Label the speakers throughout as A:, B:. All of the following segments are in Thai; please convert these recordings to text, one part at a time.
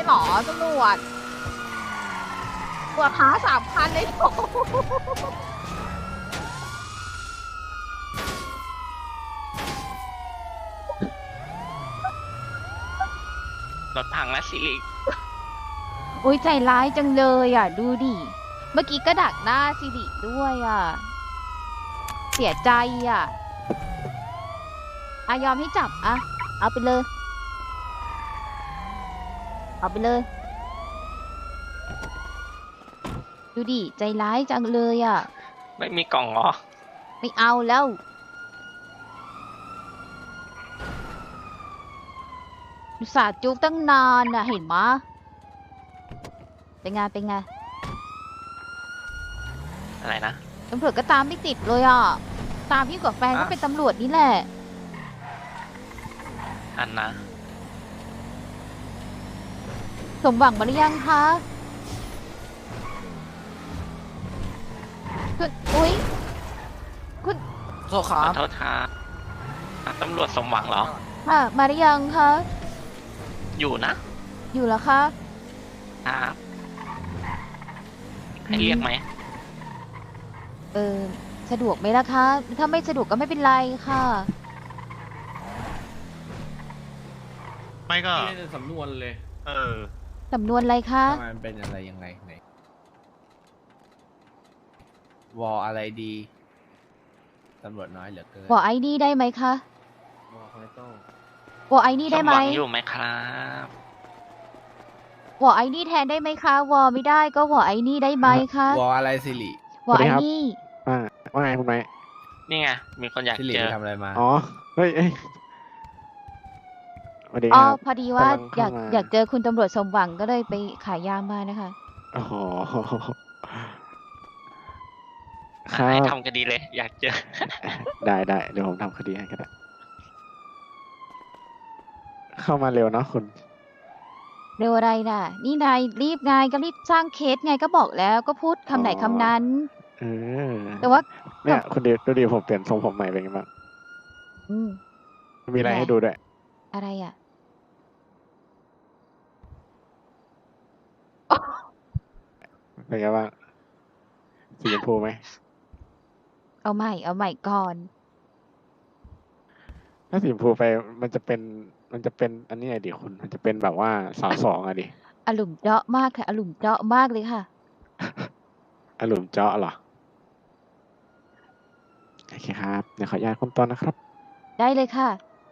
A: หรอตำรวจค้า3,000เลยเหรอ
B: รถพังนะสิริ
A: อุ้ยใจร้ายจังเลยอ่ะดูดิเมื่อกี้ก็ดักหน้าสิริด้วยอ่ะเสียใจอ่ะยอมให้จับเอาไปเลยเอาไปเลยดูดิใจร้ายจังเลยอ่ะ
B: ไม่มีกล่องเหรอ
A: ไม่เอาแล้วอุตส่าห์จุกตั้งนานน่ะเห็นมะเป็นไง
B: อะไรนะ
A: ตำรวจก็ตามไม่ติดเลยอ่ะตามยิ่งกว่าแฟนก็เป็นตำรวจนี่แหละ
B: อันนะ
A: สมหวังมาหรือยังคะคุณอุ๊ยคุณ
C: โทษครับ
B: ขอโทษครับตำรวจสมหวังเหรอ
A: มาหรือยังคะ
B: อยู่นะ
A: อยู่แล้วคะ
B: ครับให้เรียกไหม
A: สะดวกไหมล่ะคะถ้าไม่สะดวกก็ไม่เป็นไรค่ะ
D: ไม่ก็
C: นี่เป็นสำนวนเลย
A: สำนวนอะไรคะ
C: ทำไมมันเป็นอะไรยังไงไหนวออะไรดีตำรวจน้อยเหลือเกิน
A: วอไอ้นี่ได้ไหมคะ
C: วอคอยโต้
A: วอไอ้นี่ได้ไหม
B: สมหวังอยู่ไหมครับ
A: วอไอ้นี่แทนได้ไหมคะวอไม่ได้ก็วอไอ้นี่ได้ไหมคะ
C: วออะไรสิริ
A: วอไอ้นี่
E: ว่าไงคุณไม้
B: นี่ไงมีคนอยาก
C: สิริ
B: เจอ
C: ไปทำอะไรมา
E: อ๋อเฮ้ยสวัสดี
A: อ๋อ
E: ครับ
A: พอดีว่า
E: กำลังเข้ามา
A: อยากเจอคุณตำรวจสมหวังก็เลยไปขายยามานะคะ
E: อ๋อค
B: ให้
E: รับ
B: ทำคดีเลย อยากเจอ
E: ได้เดี๋ยวผมทำคดีให้ก็ได้เข้ามาเร็วเนาะคุณ
A: เร็วอะไรน่ะนี่นายรีบไงก็รีบสร้างเคสไงก็บอกแล้วก็พูดคำไหนคำนั้น
E: เออ
A: แต่ว่า
E: เนี่ยคุณดูดิผมเปลี่ยนทรงผมใหม่เป็นไงบ้างมีอะไรให้ดูด้วย
A: อะไรอ่ะ
E: เป็นไงบ้างสีชมพูไหม
A: เอาใหม่ก่อน
E: ถ้าสีชมพูไปมันจะเป็นอันนี้ไงดิคุณมันจะเป็นแบบว่า2 อะดิ
A: อารมณ์เจาะมากค่ะอารมณ์เจาะมากเลยค่ะ
E: อารมณ์เจาะเหรอโอเคครับเดี๋ยวขออนุญาตคุณตอนนะครับ
A: ได้เลยค่ะ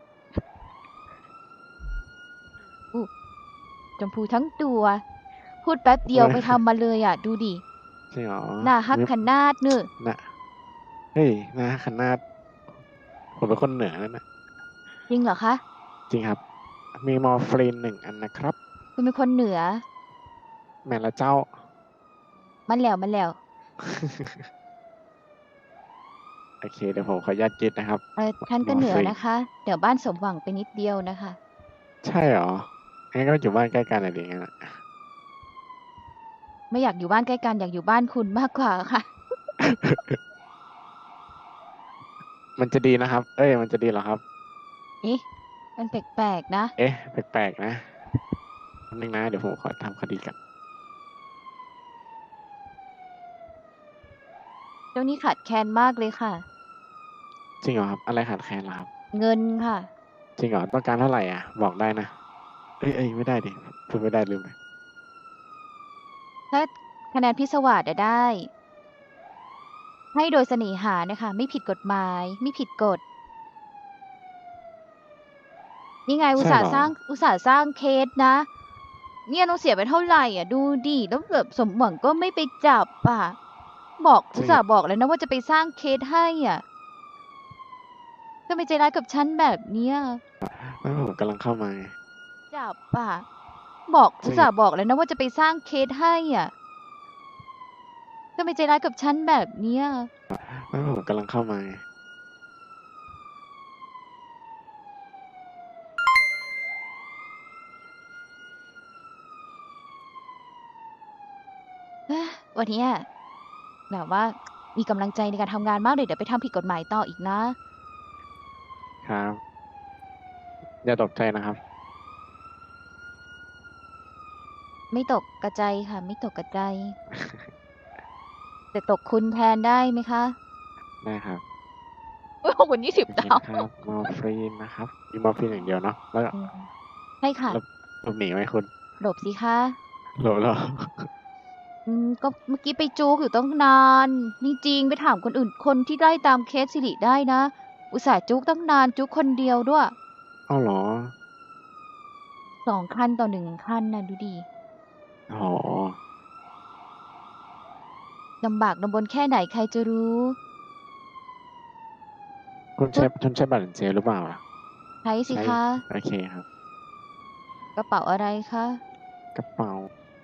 A: ชมพูทั้งตัวพูดแป๊บเดียวไปทำมาเลยอ่ะดูดิ
E: จริงเหรอ
A: หน้าฮักขนาดเนอะ
E: น่ะเฮ้ยนะขนาดผมเป็นคนเหนือนั่นนะ
A: จริงเหรอคะ
E: จริงครับมีมอร์ฟีน1 อันนะครับ
A: คุณเป็นคนเหนือ
E: แม่ละเจ้า
A: มันแล้ว
E: โอเคเดี๋ยวผมขออนุญาตยึดนะครับ
A: ท่านก็เหนือนะคะเดี๋ยวบ้านสมหวังไปนิดเดียวนะคะ
E: ใช่เหรองั้นก็อยู่บ้านใกล้กันอะไรอย่างเงี้ย
A: ไม่อยากอยู่บ้านใกล้กันอยากอยู่บ้านคุณมากกว่าค่ะ
E: มันจะดีนะครับมันจะดีเหรอครับ
A: มันแปลกๆนะ
E: แปลกๆนะนึงนะเดี๋ยวผมขอทำคดีกัน
A: เจ้านี่ขาดแคลนมากเลยค่ะ
E: จริงเหรอครับอะไรขาดแคลนเหรอครับ
A: เงินค่ะ
E: จริงเหรอต้องการเท่าไหร่บอกได้นะไม่ได้ดิพูดไม่ได้ลืมไป
A: ถ้าคะแนนพิศวาสได้ให้โดยเสน่หานะคะไม่ผิดกฎหมายไม่ผิดกฎนี่ไงอุตส่าห์สร้างเคสนะเนี่ยต้องเสียไปเท่าไหร่อ่ะดูดิแล้วแบบสมหวังก็ไม่ไปจับอุตส่าห์บอกแล้วนะว่าจะไปสร้างเคสให้อ่ะก็ไม่ใจร้ายกับฉันแบบเนี้ย
E: ไม่ผมกำลังเข้ามา
A: จับอุตส่าห์บอกแล้วนะว่าจะไปสร้างเคสให้อ่ะก็ไม่ใจร้ายกับฉันแบบเนี้ย
E: ไม่ผมกำลังเข้ามา
A: วันนี้แบบว่ามีกำลังใจในการทำงานมากเลยเดี๋ยวไปทำผิดกฎหมายต่ออีกนะครับ
E: อย่าตกใจนะครับ
A: ไม่ตกกระใจค่ะ ไม่ตกกระใจ แต่ตกคุณแทนได้ไหมคะ
E: ได้ครับ
A: โอ้ยขอบคุณ20
E: โอเค
A: ดาว
E: นะครับมอร์ฟีนนะครับมีมอร์ฟีนอย่างเดียวเนาะแล้วก็
A: อืมใช่ค่ะ
E: หลบหนีไหมคุณ
A: หลบสิคะ
E: หลบเหรอ
A: ก็เมื่อกี้ไปจูกอยู่ตั้งนานจริงๆไปถามคนอื่นคนที่ไล่ตามเคสสิริได้นะ อุตส่าห์จุกตั้งนานจุกคนเดียวด้วย
E: เอาเหรอ
A: 2 คันต่อ 1 คันนะดูดิ
E: อ๋อ
A: ลำบากลำบนแค่ไหนใครจะรู้
E: คุณใช้บัตรเจหรือเปล่าล่ะ
A: ใช้สิ
E: ใช้
A: คะ
E: โอเคครับ
A: กระเป๋าอะไรคะ
E: กระเป๋า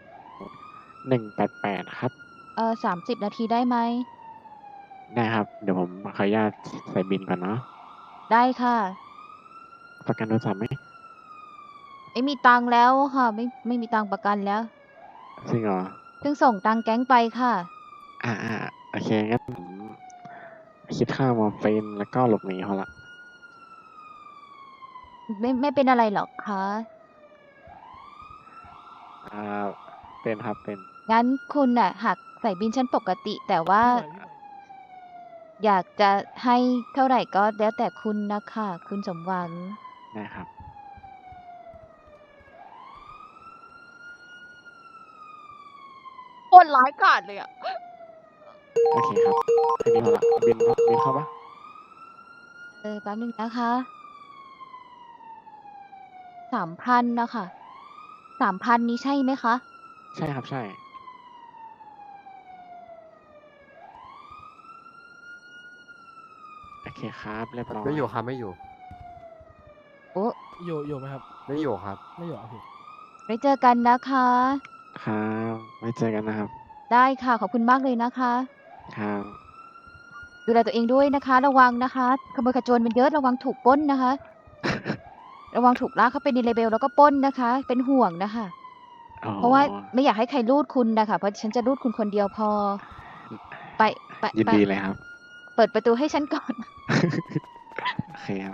E: 188ครับ
A: 30 นาทีได้ไหม
E: ได้ครับ เดี๋ยวผมขออนุญาตใส่บินก่อนเนาะ
A: ได้ค่ะ
E: ประกันโทรศัพท์ไหม
A: ไม่มีตังค์แล้วค่ะ ไม่มีตังค์ประกันแล้ว
E: จริงเหรอ
A: เพิ่งส่งตังค์แก๊งไปค่ะ
E: โอเคงั้นผมคิดค่ามอร์ฟีนแล้วก็หลบหนีเขาละ
A: ไม่เป็นอะไรหรอกคะ
E: อ่า เป็นครับเป็น
A: งั้นคุณน่ะหักใส่บินชั้นปกติ แต่ว่า อยากจะให้เท่าไหร่ก็แล้วแต่คุณนะคะ คุณสมหวัง
E: ได้ครับ
A: โคนร้ายกาจเลยอ่ะ
E: โอเคครับแค่นี้พอละบินเข้าปะ
A: แป๊บนึงนะคะ3,000นะคะ3,000นี้ใช่ไหมคะ
E: ใช่ครับใช่ โอเคครับเรียบร้อย
F: ไม่อยู่ครับไม่อยู่
A: โอ้
G: อยู่ไหมครับ
F: ไม่อยู่ครับ
G: ไม่อยู่โอเค
A: ไว้เจอกันนะคะ
E: ครับไว้เจอกันนะครับ
A: ได้ค่ะ ขอบคุณมากเลยนะคะ
E: ครับ
A: ดูแลตัวเองด้วยนะคะ ระวังนะคะขโมยขโจรมันเยอะระวังถูกปล้นนะคะ ระวังถูกลากเข้าไปในเลเบลแล้วก็ปล้นนะคะ เป็นห่วงนะคะ
E: อ๋อ
A: เพราะว่าไม่อยากให้ใครรูดคุณนะคะเพราะฉันจะรูดคุณคนเดียวพอ ไป
E: ยินดีเลยครับ
A: เปิดประตูให้ฉันก่อน
E: โอเคครับ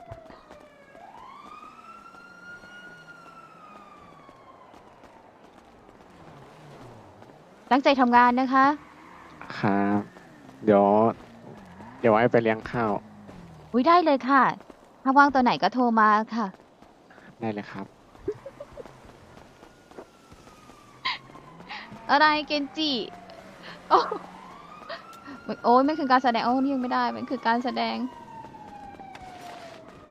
A: ตั้งใจทำงานนะคะ
E: ครับ เดี๋ยวไว้ไปเลี้ยงข้าว
A: อุ้ยได้เลยค่ะ ถ้าว่างตัวไหนก็โทรมาค่ะ
E: ได้เลยครับ
A: อะไรเกนจิโอ้ยมันคือการแสดงโอ้นี่ยังไม่ได้ มันคือการแสดง